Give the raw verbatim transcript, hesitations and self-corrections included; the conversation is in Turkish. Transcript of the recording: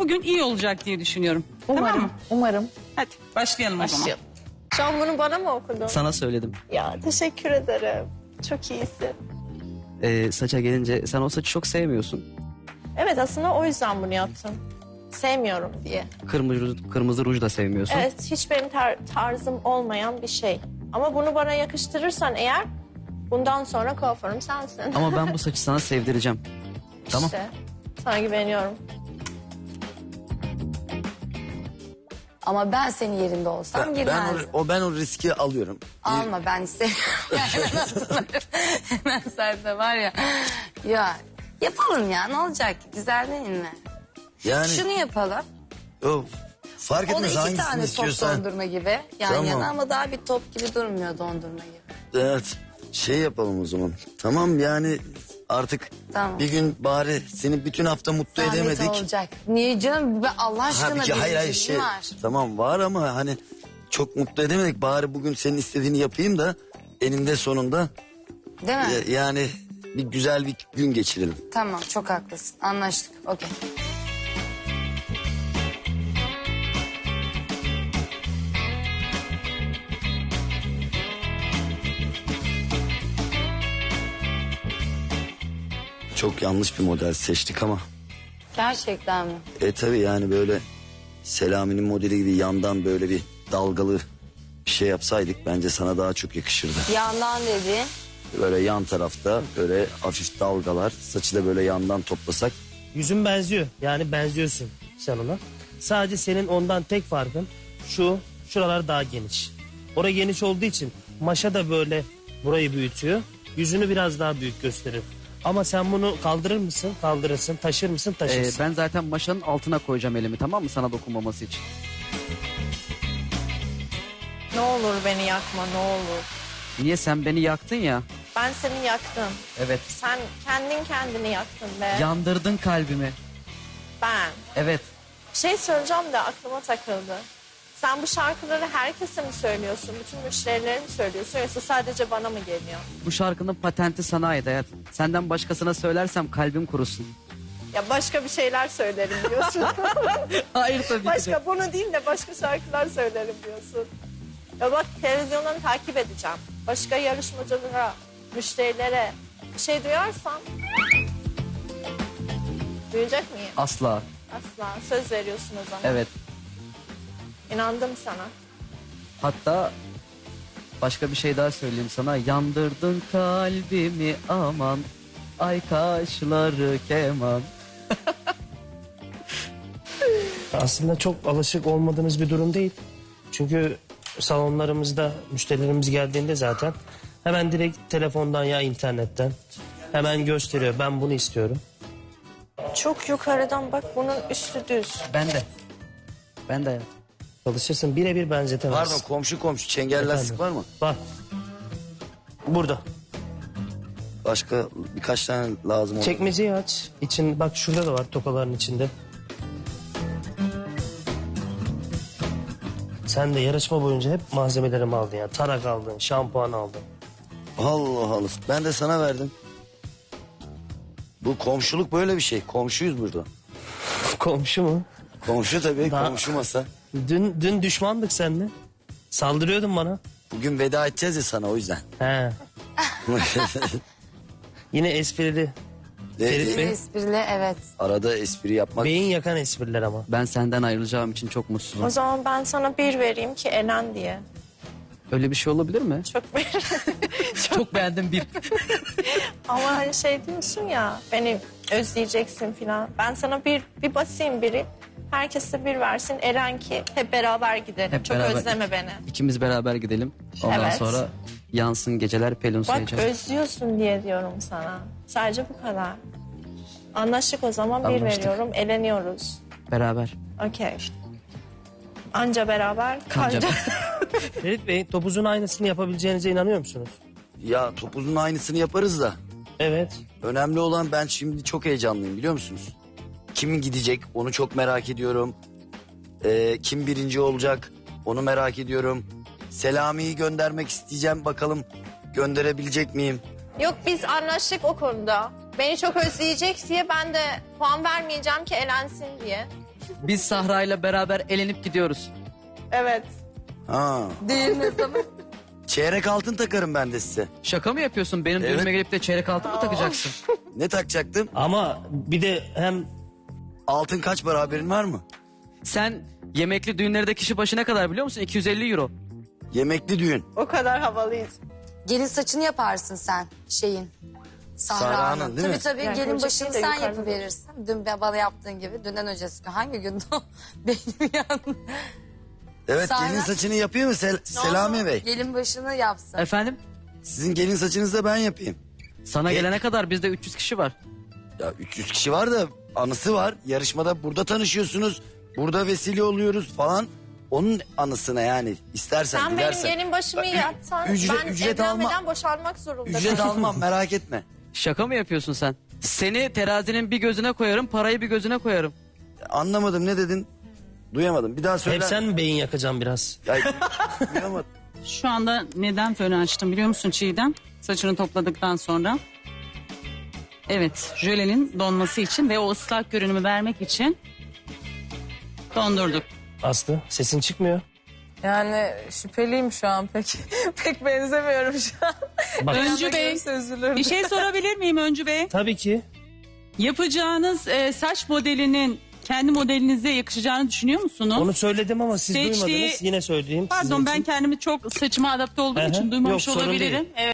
bugün iyi olacak diye düşünüyorum. Umarım, Tamam mı? umarım. Hadi başlayalım, Başlayalım. o zaman. Şu an bunu bana mı okudun? Sana söyledim. Ya teşekkür ederim. Çok iyisin. Ee, saça gelince sen o saçı çok sevmiyorsun. Evet, aslında o yüzden bunu yaptım. Sevmiyorum diye. Kırmızı, kırmızı ruj da sevmiyorsun. Evet, hiç benim tar- tarzım olmayan bir şey. Ama bunu bana yakıştırırsan eğer, bundan sonra kuaförüm sensin. Ama ben bu saçı sana sevdireceğim. Tamam. İşte, sana güveniyorum. Ama ben senin yerinde olsam Ben, ben, girmezdim. o, o ben o riski alıyorum. Alma, ben istemiyorum. Hemen sende var ya. Ya yapalım ya, ne olacak? Güzel değil mi? Yani Şunu yapalım. o, fark O da etmez iki hangisini tane top istiyorsan. dondurma gibi yan Tamam. yana, ama daha bir top gibi durmuyor dondurma gibi. Evet, şey yapalım o zaman. Tamam, yani artık Tamam. bir gün bari seni bütün hafta mutlu Zahmet edemedik. olacak. Niye canım? Ben Allah aşkına Ha, bir hayır hayır şey şey var. tamam var ama hani çok mutlu edemedik. Bari bugün senin istediğini yapayım da eninde sonunda Değil mi? e, yani bir güzel bir gün geçirelim. Tamam, çok haklısın. Anlaştık. Okey. Çok yanlış bir model seçtik ama. Gerçekten mi? E tabii yani böyle Selami'nin modeli gibi yandan böyle bir dalgalı bir şey yapsaydık bence sana daha çok yakışırdı. Yandan dediğin. Böyle yan tarafta böyle hafif dalgalar, saçı da böyle yandan toplasak. Yüzün benziyor. Yani benziyorsun sen ona. Sadece senin ondan tek farkın şu, şuralar daha geniş. Orası geniş olduğu için maşa da böyle burayı büyütüyor. Yüzünü biraz daha büyük gösterir. Ama sen bunu kaldırır mısın? Kaldırırsın. Taşır mısın? Ee, Taşırsın. ben zaten maşanın altına koyacağım elimi, tamam mı, sana dokunmaması için. Ne olur beni yakma, ne olur. Niye, sen beni yaktın ya? Ben seni yaktım. Evet. Sen kendin kendini yaktın be. Yandırdın kalbimi. Ben. Evet. Bir şey söyleyeceğim de aklıma takıldı. Sen bu şarkıları herkese mi söylüyorsun? Bütün müşterilere mi söylüyorsun? Yoksa sadece bana mı geliyor? Bu şarkının patenti sana ait hayat. Senden başkasına söylersem kalbim kurusun. Ya başka bir şeyler söylerim diyorsun. Hayır tabii ki de. Başka bunu değil de başka şarkılar söylerim diyorsun. Ya bak, televizyondan takip edeceğim. Başka yarışmacılara, müşterilere bir şey duyarsam duyacak mıyım? Asla. Asla. Söz veriyorsun o zaman. Evet. İnandım sana. Hatta başka bir şey daha söyleyeyim sana. Yandırdın kalbimi aman. Ay kaşları keman. Aslında çok alışık olmadığınız bir durum değil. Çünkü salonlarımızda müşterilerimiz geldiğinde zaten hemen direkt telefondan ya internetten hemen gösteriyor. Ben bunu istiyorum. Çok yukarıdan bak, bunun üstü düz. Ben de. Ben de hayat. Çalışırsın, birebir benzetemezsin. Pardon, komşu komşu çengel Efendim? lastik var mı? Var. Burada. Başka birkaç tane lazım olur. Çekmeceyi aç. İçin, bak şurada da var, tokaların içinde. Sen de yarışma boyunca hep malzemelerimi aldın ya. Tarak aldın, şampuan aldın. Allah Allah, ben de sana verdim. Bu komşuluk böyle bir şey. Komşuyuz burada. Komşu mu? Komşu tabii, Daha- komşu masa. Dün dün düşmandık seninle. Saldırıyordun bana. Bugün veda edeceğiz ya sana, o yüzden. He. Yine esprili. Ferit Bey. Esprili, evet. Arada espri yapmak. Beyin yakan espriler ama. Ben senden ayrılacağım için çok mutsuzum. O zaman ben sana bir vereyim ki Elen diye. Öyle bir şey olabilir mi? Çok bir. Çok beğendim bir. Ama hani şey diyorsun ya, beni özleyeceksin filan. Ben sana bir bir basayım biri. Herkese bir versin. Eren ki hep beraber gidelim. Hep Çok beraber. özleme beni. İkimiz beraber gidelim. Ondan Evet. sonra yansın geceler pelin Bak, sayacağız. özlüyorsun diye diyorum sana. Sadece bu kadar. Anlaştık o zaman, bir Anlaştık. veriyorum. Eleniyoruz. Beraber. Okey. Anca beraber, Kanca. kanca. Ferit Bey, topuzun aynısını yapabileceğinize inanıyor musunuz? Ya topuzun aynısını yaparız da. Evet. Önemli olan, ben şimdi çok heyecanlıyım biliyor musunuz? Kimin gidecek onu çok merak ediyorum. Ee, kim birinci olacak onu merak ediyorum. Selami'yi göndermek isteyeceğim, bakalım gönderebilecek miyim? Yok, biz anlaştık o konuda. Beni çok özleyecek diye ben de puan vermeyeceğim ki elensin diye. Biz Sahra ile beraber elenip gidiyoruz. Evet. Ha. Düğün ne zaman? Çeyrek altın takarım ben de size. Şaka mı yapıyorsun? Benim Evet. düğünüme gelip de çeyrek altın mı takacaksın? Ne takacaktım? Ama bir de hem Altın kaç para haberin var mı? Sen yemekli düğünlerde kişi başı ne kadar biliyor musun? iki yüz elli euro. Yemekli düğün. O kadar havalıyız. Gelin saçını yaparsın sen şeyin. Sahra'nın, Sahra'nın. değil Tabii mi? tabii Yani gelin kocası başını da sen yukarıda. yapıverirsin. Dün bana yaptığın gibi. Dünden öncesi gün. Hangi gündü o? Benim yanım. Evet Sahra- gelin saçını yapıyor mu Sel- Selami Bey? Gelin başını yapsın. Efendim? Sizin gelin saçınızı da ben yapayım. Sana E- gelene kadar bizde üç yüz kişi var. Ya üç yüz kişi var da anısı var. Yarışmada burada tanışıyorsunuz. Burada vesile oluyoruz falan. Onun anısına yani istersen Sen benim dilersen. gelin başımı Ü- yapsan ücret- ben ücret evlenmeden alma- boşanmak zorunda. Ücret almam merak etme. Şaka mı yapıyorsun sen? Seni terazinin bir gözüne koyarım, parayı bir gözüne koyarım. Anlamadım ne dedin? Duyamadım. Bir daha söyle. hep sen mi beyin yakacaksın biraz? Ya, duyamadım. Şu anda neden fönü açtım biliyor musun Çiğdem? Saçını topladıktan sonra. Evet, jölenin donması için ve o ıslak görünümü vermek için dondurduk. Aslı sesin çıkmıyor. Yani şüpheliyim şu an pek. Pek benzemiyorum şu an. Bak Öncü Bey, Görürse üzülürüm. bir şey sorabilir miyim Öncü Bey? tabii ki. Yapacağınız e, saç modelinin kendi modelinize yakışacağını düşünüyor musunuz? Onu söyledim ama siz Seçtiği- duymadınız. Yine söyleyeyim. sizin Pardon ben için. kendimi çok saçıma adapte olduğum Hı hı. için duymamış Yok, sorun olabilirim. değil. Evet.